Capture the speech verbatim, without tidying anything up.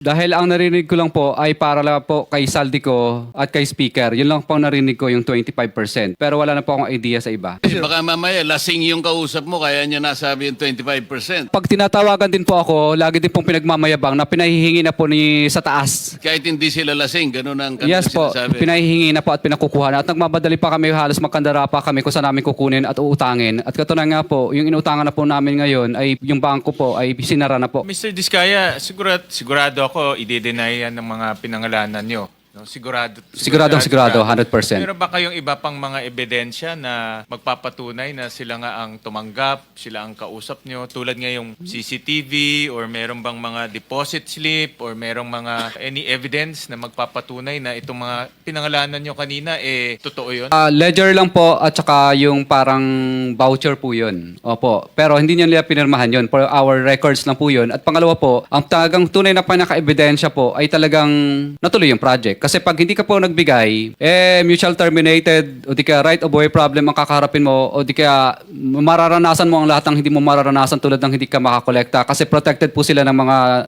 Dahil ang narinig ko lang po ay para lang po kay Saldico at kay Speaker. Yun lang po ang narinig ko yung twenty-five percent. Pero wala na po akong idea sa iba. Eh, baka mamaya lasing yung kausap mo kaya niya nasabi yung twenty-five percent. Pag tinatawagan din po ako, lagi din pong pinagmamayabang na pinahihingi na po ni sa taas. Kahit hindi sila lasing, ganun ang kanila Yes po, sinasabi. pinahihingi na po at pinakukuha na. At nagmamadali pa kami, halos magkandara pa kami kung saan namin kukunin at uutangin. At katunayan nga po, yung inutangan na po namin ngayon ay yung bangko po ay sinara na po. mister Diskaya, sigurado, sigurado ako, i-deny yan ng mga pinangalanan nyo. No? Sigurado. Siguradong sigurado, one hundred percent. Meron ba kayong iba pang mga ebidensya na magpapatunay na sila nga ang tumanggap, sila ang kausap nyo, tulad nga yung C C T V or meron bang mga deposit slip or merong mga any evidence na magpapatunay na itong mga pinangalanan nyo kanina, eh, totoo yun? Ah, ledger lang po at saka yung parang voucher po yun. Opo. Pero hindi niyo nila pinirmahan yun. For our records lang po yun. At pangalawa po, ang talagang tunay na pinaka-ebidensya po ay talagang natuloy yung project. Kasi pag hindi ka po nagbigay, eh, mutual terminated o di kaya right of way problem ang kakaharapin mo o di kaya mararanasan mo ang lahat ng hindi mo mararanasan tulad ng hindi ka makakolekta kasi protected po sila ng mga